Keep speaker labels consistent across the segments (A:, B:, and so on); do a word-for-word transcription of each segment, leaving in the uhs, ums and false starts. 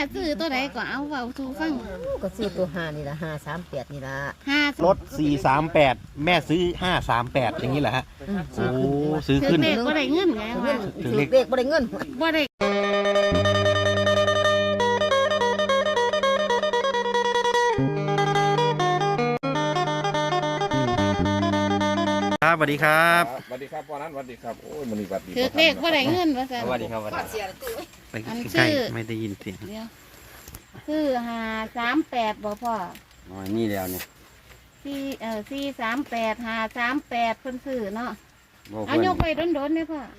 A: ซื้อตัวไหนก็เอาเว้าสู่ฟัง
B: ก็ซื้อตัวห้านี่ละห้าสามแปดนี่ละ
A: ห้าร
C: ถสี่สามแปดแม่ซื้อห้าสามแปดอย่างนี้แหละฮะโอ้ซื้อ
A: ถื
C: ขึ้
A: อน เลขบ่ได้เงินไงว่า
B: ถือเลขบ่ได้เงิน
A: บ่ได้
C: ครับสวัสดีครับ
D: สวัสดีครับพ่อนั้นสวัสดีครับโอ้ยมันนี่สวัสดี
A: ถือเลขบ่ได้เงินว่าซั่น
C: สวัสดีครับสวัสดีไป
A: อัน
C: ใกล้
A: ชื่อ
C: ไม่ได้ยินเสียง
A: เดี๋ยวซื้อห้าสามแปดบ่พ่อ
E: อ๋อนี่แล้วเนี่ย
A: สี่เอ่อสี่สามแปดห้าสามแปดเพิ่นซื้อเนาะ
E: บ่
A: เอา
E: เพิ่น
A: ยกไปโดนๆเลยพ่อง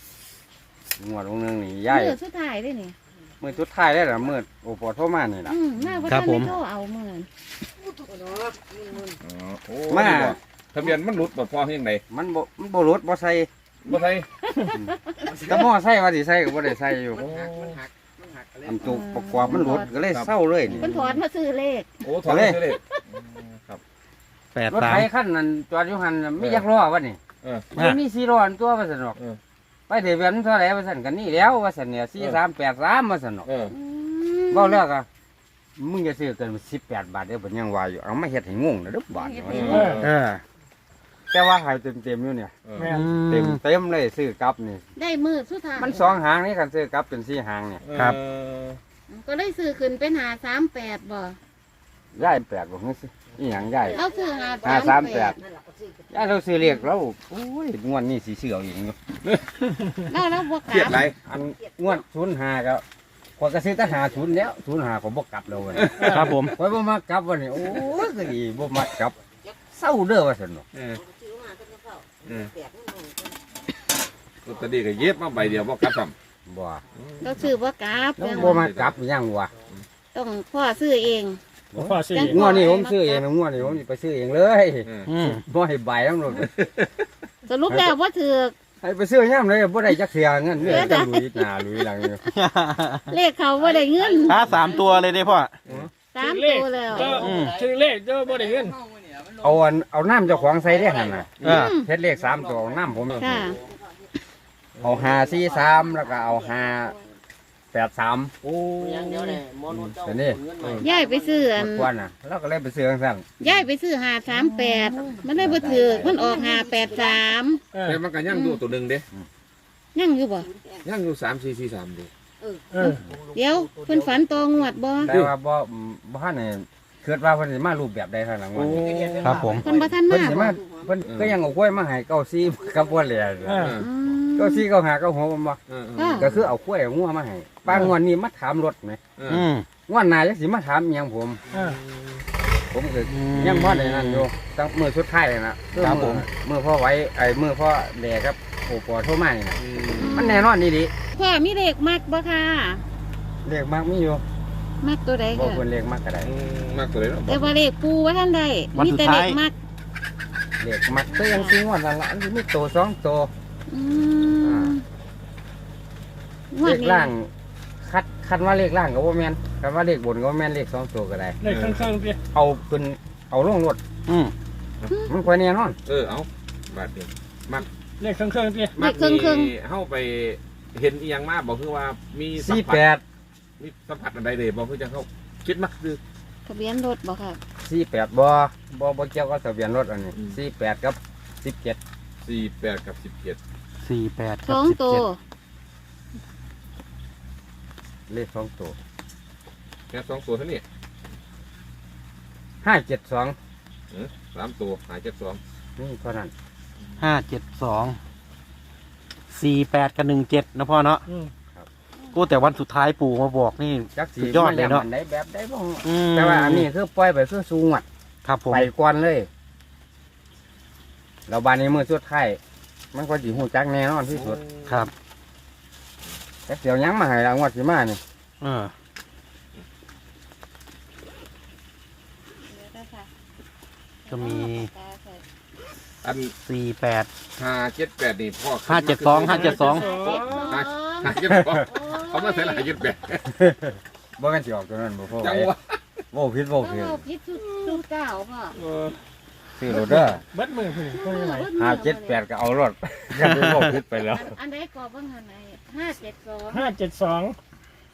E: วดวงหนึงนี่ย้าย
A: มือสุดท้ายเด้นี่
E: มื้อสุดท้ายได้ล่ะมื้อโอปอโทรมานี่ล่ะ
A: อืมมาบ่ทันได้โทรเอามื้อนั้น
D: อ๋อโอ้
E: มา
D: นี่บ่ทะเบียนมันหลุดบ่พ่อเฮียงไหน
E: มันบ่มันบ่รถบ่ใส่
D: บ่ไทย
E: แต่หม้อใส่ว่าสิใส่ก็บ่ได้ใส่อยู่อันตุกประกอบมันหลุดก็เลยเศร้าเลยนี่
A: เพิ่นถอนมาซื้อเลข
D: โอ้ถอนเลยเลยครับ
C: แปด
E: รถ
C: สาม
E: ไถคันนั้นจอดอยู่หั่นน่ะมีจักล้อวะนี่
D: เออ
E: มันมีสี่ล้ออันตัวว่าซั่นดอก
D: เออ
E: ไปทะเบียนเท่าไหร่ว่าซั่นกันนี่แล้วว่าซั่นเนี่ยสี่สามแปดสามว่าซั่นดอก
D: เออ
A: อืม
E: เว้าแล้วก็มึงจะซื้อเกินสิบแปดบาทเด้อเพิ่นยังว่าอยู่เอามาเฮ็ดให้งงนะเด้อบาทเนี่ยว่าซั่น
D: เออ
E: เออแต่ว่าให้เต็มๆอยู่เนี่ย
D: เออ
E: เต็มเต็มเลยซื้อกลับนี่
A: ได้มือสุดท้าย
E: มันสองหางนี่กันซื้อกลับเป็นสี่หางเนี่ย
C: ครับ
D: เออ
A: ก็ได้ซื้อขึ้นเป็นหาสามแปดบ่
E: ย่ายแปดบอกนี่สิอีหยังย่าย
A: เอาซื้อหา
E: ห้าสามแปด
A: ด
E: ย่ายเราซื้อเรียกเราโอ้ยงวดนี้สีเสืออีกอยู่
A: แล้วแล้วบ่
D: เครียด
A: ก
D: ไร
A: ลับ
E: อันงวดศูนย์หาก็ขอยก็ซื้อแต่หาศูนย์แล้วศูนย์หาผมบ่กลับแล้วเว้ย
C: ครับผม
E: ขอยบ่มากลับวันนี้โอ้ยก็ดีบ่มากลับเศร้าเด้อว่าซั่นเนาะ
D: เออเออลอตเตอรี่ก็เย็บมาใบเดียวบ่กลับซ้ำ
E: บ่
A: เราซื้อบ่กลับ
E: แล้วบ่มากลับอีหยังวะ
A: ต้องพ่อซื้อเอง
F: พ่อซื้อ
E: งวดนี้ผมซื้อเองนะงวดนี้ผมสิไปซื้อเองเลย
D: เออ
C: อืม
E: บ่ให้ใบทั้งหมด
A: สรุปแล้วว่าถือ
E: ให้ไปซื้อย่ำเลยบ่ได้จักเสียเงินเนี่ยจะลุยหน้าลุยหลังอยู่
A: เลขเขาว่าได้เงิน
C: ถ้าสามตัวเลยได้พ่อ
A: สาม
F: เลข
A: ตัวแล้ว
F: ก็ชื่อเลขเจ้าบ่ได้เงิน
E: เอาอันเอาน้ำเจ้าของใส่ได้หั่นน่ะ
C: เออ
E: เฮ็ดเลขสามตัวเอาน้ำผม
A: ค่ะ
E: เอาห้าสี่สามแล้วก็เอาห้าแปดสาม
D: โอ้
E: เดี๋ยวนี้
A: ย้ายไปซื้ออัน
E: กวนน่ะแล้วก็เลยไปซื้อจังซั่น
A: ย้ายไปซื้อหาสามแปดมันได้บ่ถือมันออกหาแปดสาม
F: เออ
D: แต่มันก็ยังอยู่ตัวหนึงเด้
A: ยังอยู่บ่
D: ยังอยู่สามสี่สี่สามเด้
F: เออ
A: เดี๋ยวเพิ่นฝันตองวดบ่
E: แต่ว่าบ่บ่ทันได้คิดว่าเพิ่นสิมารูปแบบใดเท่านั้นว่า
C: ครับผม
A: เพิ่นบ่ทัน
E: เพิ่
A: มาน
E: สิ
A: บ่
E: มาเพิ่นก็ยังเอากล้วยมาให้เก้าซี่กับบ่แหล่
F: เออ
A: อืม
E: เก้าซี่เก้าหาเก้าหัวบ่
D: เออเออ
A: ค่ะ
E: ก็คือเอากล้วยเอางัวมาให้ปางวดนี้มาถามรถไหม
D: เออ
C: อืม
E: งวดหน้าจักสิมาถามอิหยังผม
F: เออ
E: ผมก็ยังบ่ได้นั่นอยู่ตั้งมื้อสุดท้ายน่ะคือ
C: ครับผ
E: มื้อ
C: ม
E: มื้อพ่อไว้ไอ้มื้อพ่อแหล่ครับโอ้ปอโทรมานี่น่ะ
D: อืม
E: มันแน่นอนนี่ดิ
A: พ่อมีเลขมักบ่ค่ะ
E: เลขมักมีอยู่
A: มักตัวใด
E: บ่
A: ค่ะ
E: เพิ่นเลขมักก็ได้
D: อืมมากตัวเลยเนาะ
A: แต่ว่าเลขปูว่าท่านใด
C: วัน
A: มี
C: สุด
A: แต่
C: ท้า
A: เลย ขมัก
E: เลขมักก็ยังสิงวดละละอันนี้มีโตสองโต
A: อืมง
E: เล
A: วด
E: ข
A: นี้
E: ล่างคัดคัดว่าเลขล่างก็บ่แม่นคัดว่าเลขบนก็บ่แม่นเลขสองโตก็ได้
F: เลขข้างๆดิ
E: เอาขึ้นเอาลงรถ
C: อืม
E: มันค่อยแน่นอน
D: เออเอาบาทเดียว
F: เลขข้างๆดิ
D: มักมีเข้าไปเห็นอีหยังมาบอกคือว่ามีสัม
E: สี่
D: ผัส
E: แปด
D: มีสัมผัสอะไรเลยบอกคือจะเข้าคิดมักคือ
A: ทะเบียนรถบ่ค่ะ
E: สี่แปดบ่บ่บ่เกี่ยวกับทะเบียนรถอันนี้สี่แปดกับสิบเจ็ด
D: สี่แปดกับสิบเจ็ด
C: สี่แปด
A: ส
C: กับ
A: อง
C: สิบ
A: ตัว
C: เจ็ด
E: เลขสองตัว
D: แค่สองตัวเท่านี้
E: ห้าเจ็ดสอง
D: สามตัวหายเจ็ดสอง
E: นี่เท่านั้น
C: ห้าเจ็ดสองสี่แปดกับหนึ่งเจ็ดนะพ่อเนาะ
F: อืม
C: กูแต่วันสุดท้ายปู่มาบอกนี่
E: จักสี
C: สุดยอดเลยเนาะ
E: มัได้แบบได้บ่
C: อืม
E: แต่ว่าอันนี้คือปล่อยไปคือสูงอ่ะ
C: ครับผม
E: ไปก่อนเลยเราบานนี้มือสุดท้ายมันก็สิฮู้จักแน่นอนที่สุด
C: ครับ
E: แต่เดี๋ยวยังมาให้รางวัลสิมานี่
C: เออ จะมี
D: อัน
C: สี่แปด
D: ห้าเจ็ดแปดนี่พ่อ
C: ห้าเจ็ดสองห้าเจ็ดสอง
D: ห้าห้าเจ็ดสองเขามาใส่หลายเจ็ดแปด
E: บ่แม่นสิออกตัวนั้นบ่พ่อ
D: จัง
E: ไว้
D: วะ
E: โว้ผิดโว้
A: โอ้
E: ผิด
A: พิษสุดสุดเก้าพ่อ
F: เออ
E: ซื้อรถเด้อ
F: เบิดมือพุ่นก็ยังไง
E: ห้าเจ็ดแปดก็เอารถก็ไปโว้ผิดไปแล้ว
A: อันใดกรอบบ้างหันไหนห้าเจ็ดสอง
F: ห้าเจ็ดสอง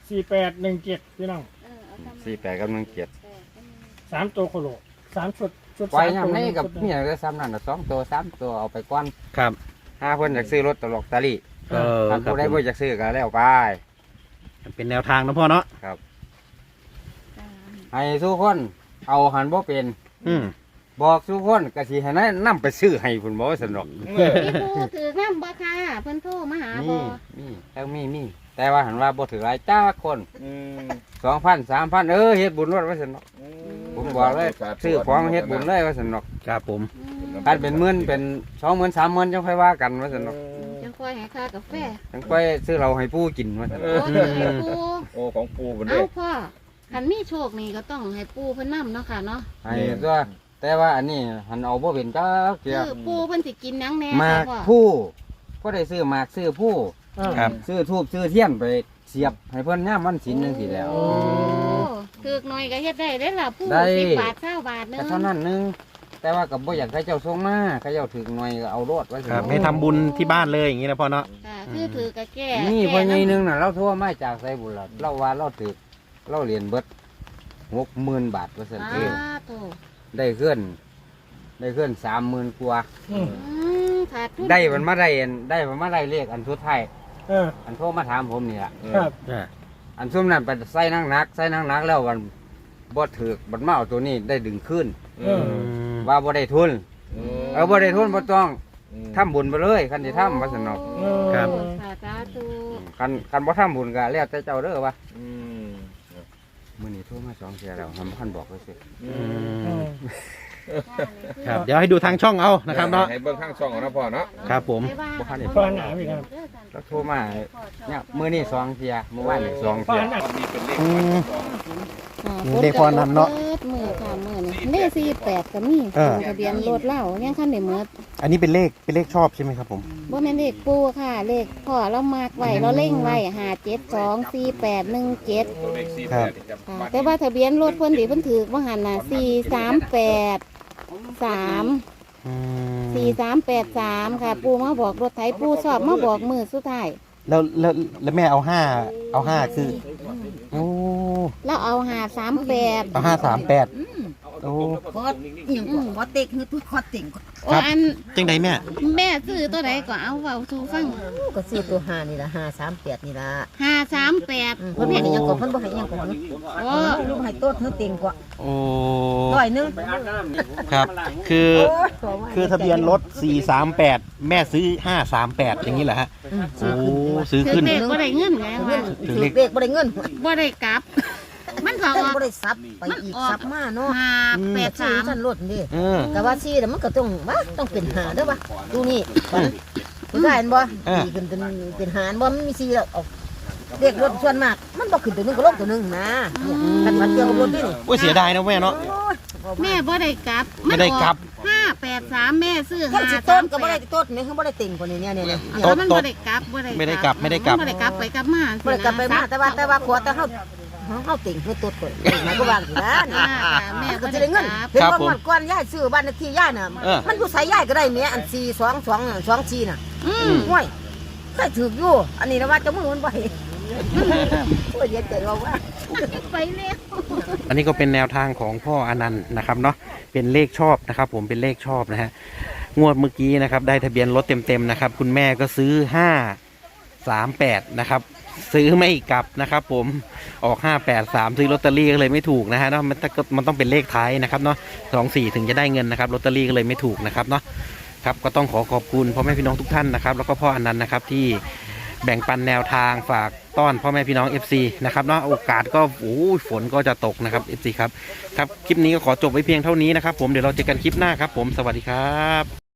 F: สี่แปดหนึ่งเจ็ดพี่น้อง
A: เออเอาทำ
E: สี่แปดกับหนึ่งเจ็ด
A: แปดก็มี
F: สามตัวโคโลสามชุดชุด
E: ปล่อย
F: สาม
E: ยาม
F: ตัว
E: นี้กับ
F: ชุดห
E: เมี
F: นึ่ง
E: ยก็ซ้ำนั่นน่ะสองตัวสามตัวเอาไปก่อน
C: ครับ
E: ห้าเพิ่นอยากซื้อรถตลกตะลี่
C: เออ
E: ถ้า
C: ครับ
E: ผู้ใด
C: ผม
E: บ่อยากซื้อก็แล้วไป
C: เป็นแนวทางนะพ่อเนาะ
A: สาม
E: ให้ทุกคนเอาหันบ่เป็น
C: อืม
E: บอกทุกคนก็สิให้นำไปซื้อให้พุ่นบ่สนุก
D: เออ
A: พี่ผู้ถือน้ำบ่ค่ะเพิ่นโทรมาหา
E: มี
A: บ่
E: มีแต่มีมีแต่ว่าหันว่าบ่ถือหลายจ้าคน
D: อืม
E: สองพันสามพันเออเฮ็ดบุญรถว่าสนุกผมบอกเลยซื้อของเฮ็ดบุญเลยว่าสนุก
C: ครับผม
A: อืม
E: การเป็นหมื่นเป็นสองหมื่นสามหมื่นจังค่อยว่ากันว่าสนุก
A: จังค่อยให้ค่ากาแฟ
E: จังค่อยซื้อเราให้ปู่กินว่าสนุก
A: โอ้ถือให้ปู
D: โอ้ของปูบนเด้
A: เอ้าพ่อคันมีโชคนี่ก็ต้องให้ปูเพิ่นนํเนาะค่ะเนาะ
E: ให้ตัวแต่ว่าอันนี้หันเอาบ่เป็นจ้าเกี่ย
A: คือปูเพิ่นสิกินหยังแหน่
E: หมาก
A: ค่ะพ่อ
E: ผู้ก็ได้ซื้อหมากซื้อผู้
C: ครับ
E: ซื้อทูบซื้อเทียนไปเสียบให้เพิ่นย่ามวันศีลจังซี่แหล้ว
A: โอ้ถือกหน่อยก็เฮ็ดได้เด้ล่ะปู
E: ได้
A: สิบบาทเก้าบาทหนึง
E: แต่เท่านั้นหนึงแต่ว่ากับบ่อยากให้เจ้าส่งมาให้เจ้าถึงหน่วยก็เอารถไว้สิ
C: ครับให้ทำบุญที่บ้านเลยอย่างนี้นะพ่อเนาะ
A: ค่ะคือถือกะแก้
E: นี่
A: แก้
E: พ่อใหญ่หนึ
A: ำ
E: งน่ะเราโทรมาจากไสบุญล่ะเราว่าเราถึกเราเรียนเบิดหกหมื่นบาทว่าซั่นเอ
A: อ่าง โต
E: ได้เคลื่อนได้เคลื่อนสามหมื่นกว่า
F: อืม
A: อืมขาดทุน
E: ได้มันมาได้อันได้มันมาได้เลขอันสุดท้าย
F: เออ
E: อันโทรมาถามผมนี่ล่ะ
F: ครับ
C: อ่า
E: อันซุ่มนั้นไปใส่นักนักๆใส่นักนักๆแล้ววันบ่ถึกบัดมาเอาตัวนี้ได้ดึงขึ้น
F: เออ
E: ว่าบ่ได้ทุนเออบ่ได้ทุนบ่ต้องทำบุญไปเลยคันสิทำว่าสนอก
F: เออ
C: ครับ
A: สาธุ
E: คันคันบ่ทำบุญก็แล้วแต่เจ้าเด้อว่า
D: อืม
E: มื้อนี้โทรมาสองเที่ยแล้วทำคันบอกเลยสิ
D: อื
C: อื
D: ม
C: มครับเดี๋ยวให้ดูทางช่องเอานะครับเนาะ
D: ให้เบิ่งข้างช่องเอานะพ่อเนาะ
C: ครับผม
E: บ่ทันได้
F: ฟังหนาพี่ครับ
E: แล้วโทรมาเนี่ยมื้อนี้สองเที่ยเมื่อวานนี่สอง
F: ฟั
E: เที่
F: ง
E: ย
F: หนา
D: วันนี้เป็นเลข
C: อืม
A: อ่า
C: เลขพอนั้นเนาะ
A: ปิดมือค่ะมือนี่เลขสี่แปดก็มี
C: เออ
A: ทะเบียนรถเล่ายังคันได้เมิด
C: อันนี้เป็นเลขเป็นเลขชอบใช่ไหมครับผม
A: บ่แม่นเลขปูค่ะ เลขพ่อเรามากไว้เราเล่งไว้ห้าเจ็ดสองสี่แปดหนึ่งเจ็ด
D: ตัวเลขสี่
C: ครั
D: แป
C: บ
D: ดนี่ครับ
A: ค่ะแต่ว่าทะเบียนรถเพิ่นที่เพิ่นถือว่าหันน่ะสี่สามแปดสาม
C: อืม
A: สี่สามแปดสามค่ะ ปูมาบอกรถไถปูสอบมาบอกมือสุดท้าย
C: แล้วแล้วแล้วแม่เอาห้าเอาห้าคือโอ้
A: แล้วเอาหาสามแปด
C: เอาห้าสามแปดโอ้
B: คอดอีหยังก็คอดเต็กคือตุ้คอดเต็งก็
A: โอ้อัน
C: จังไดแม่
A: แม่ซื้อตัวไหนก็เอาเว้าสู่ฟัง
B: ก็ซื้อตัวห้านี่ละห้าสามแปดนี่ละ
A: ห้าสามแปด
B: อืมเพิ่นให้อีหยังก็เพิ่นบ่ให้อีหยังก็เพิ่น
A: โอ้
B: ลูกให้โต๊ดเธอเต็งกว่า
C: โอ้
B: ร้อยหนึง
C: ครับ คือ
B: โอ้ยขว่า
C: คือทะเบียนรถสี่สามแปดแม่ซื้อห้าสามแปดอย่างนี้เหรอฮะ
B: อืม
C: โอ้ซื้อ
A: ถือ
C: ขึ้น
A: เลขบ่ได้เงินไง
B: เงิ
A: ว่าน
B: ถือเลขบ่ได้เงิน
A: บ่ได้กลับ มันก็อ
B: เพิ่น
A: อก
B: บ่ได้ซับไปอีกซับมาเนาะ
A: ห้าแปด
B: ซื้
A: สา
B: อ
A: ม
B: ท่านรถนี่
C: เออ
B: ก็ว่าซี่แล้วมันก็ต้องว่าต้องเป็นหาเด้อวะดูนี่ผู้ชายเห็นบ่
C: อ่า
B: ดีขึ้นเป็นเป็นหารบ่มันมีซี่แล้วเอาเด็กรถส่วนมาก มันบ่ขึ้นตัวหนึงก็ลงตัวหนึงนะเนี่ยกันมันเกี่ยวกับรถนี่นี่
C: โอ้ยเสียดายนะแม่เนาะ
B: โอ้ย
A: แม่บ่ได้กลับ
C: ไม่ได้กลับ
A: ห้าแปดสามแม่ซื้อ
B: ท่าน
A: ห้า
B: สิ
A: สา
B: ต้น
A: ม
B: ก็
A: แป
B: บ่ได้
A: ด
B: ต้นนี่คือบ่ได้ติ่งคนนี้เนี่ยเนี่ยเนี่ย
A: เพราะมันบ่ได้กลับบ่ได้
C: ไม่ได้กลับไม่ได้กลับ
A: บ่ได้กลับไปกลับมา
B: บ่ได้กลับไปมาแต่ว่าแต่ว่าขวแต่เฮาเฮาติ่งคือต้นก่อนหมายก็วางสินะ
A: อ่าค่ะแม่
B: ก็
A: บ่
B: จะ
A: ได้
B: ได้
A: ก
B: เงิน
A: ลับ
B: เห็น
C: ครับ
B: ว่า
C: ผม
B: งวดก่อนยายซื้อบ้านเลขที่ยายน่ะ
C: เออ
B: มันอยู่ไสยายก็ได้แม่อันสี่ สอง สอง สองสี่น่ะ
A: อืม
B: ห่วยเคยถูกอยู่อันนี้นะว่าเจะมือมันบ่เห็นโอ้ยเย็นใจว่าว่า
A: ไปแล้ว
C: อันนี้ก็เป็นแนวทางของพ่ออนันต์นะครับเนาะเป็นเลขชอบนะครับ ผมเป็นเลขชอบนะฮะงวดเมื่อกี้นะครับได้ทะเบียนรถเต็มๆนะครับคุณแม่ก็ซื้อห้าสามแปดนะครับซื้อไม่กลับนะครับ ผมออกห้าแปดสามซื้อลอตเตอรี่ก็เลยไม่ถูกนะฮะเนาะมันต้องมันต้องเป็นเลขท้ายนะครับเนาะสองสี่ถึงจะได้เงินนะครับลอตเตอรี่ก็เลยไม่ถูกนะครับเนาะครับก็ต้องขอขอบคุณพ่อแม่พี่น้องทุกท่านนะครับแล้วก็พ่ออนันต์นะครับที่แบ่งปันแนวทางฝากต้อนพ่อแม่พี่น้อง เอฟ ซี นะครับเนาะโอกาสก็โอ้ยฝนก็จะตกนะครับ เอฟ ซี ครับครับคลิปนี้ก็ขอจบไว้เพียงเท่านี้นะครับผมเดี๋ยวเราเจอกันคลิปหน้าครับผมสวัสดีครับ